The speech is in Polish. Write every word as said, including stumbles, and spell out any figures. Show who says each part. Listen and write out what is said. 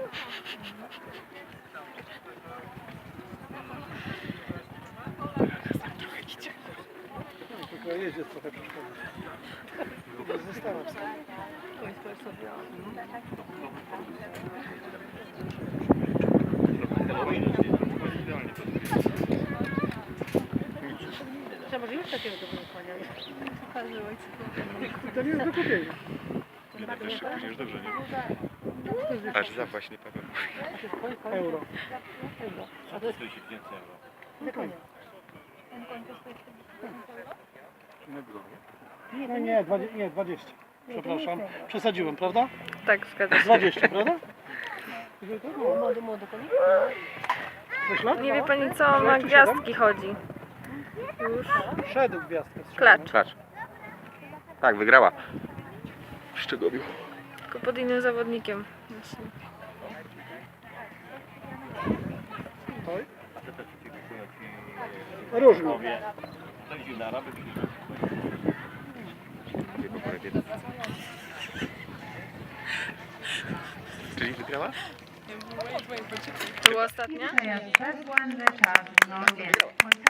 Speaker 1: Tylko jeździ trochę przeszkodzić. Zostawiam sobie.
Speaker 2: Trzeba może już takiego dobrego konia.
Speaker 1: To nie jest do kupienia.
Speaker 3: Nie, tak też później już dobrze, nie? Aż za właśnie Paweł.
Speaker 1: Euro.
Speaker 2: A to jest
Speaker 3: Stoi się więcej euro.
Speaker 2: te konie.
Speaker 1: No nie, dwadzieścia. Nie, dwadzieścia. Przepraszam. Przesadziłem, prawda?
Speaker 4: Tak, zgadza się.
Speaker 1: dwadzieścia, prawda?
Speaker 2: Młody, młody konik.
Speaker 1: Myślę?
Speaker 4: Nie wie pani co, na gwiazdki chodzi. Już.
Speaker 1: Szedł gwiazdkę.
Speaker 4: Klacz.
Speaker 3: Klacz. Tak, wygrała. W Szczegowiu.
Speaker 4: Tylko pod innym zawodnikiem. Właśnie.
Speaker 1: Oj. Różno.
Speaker 3: Czyli wygrała?
Speaker 4: To była ostatnia?
Speaker 5: First one, the child, not again.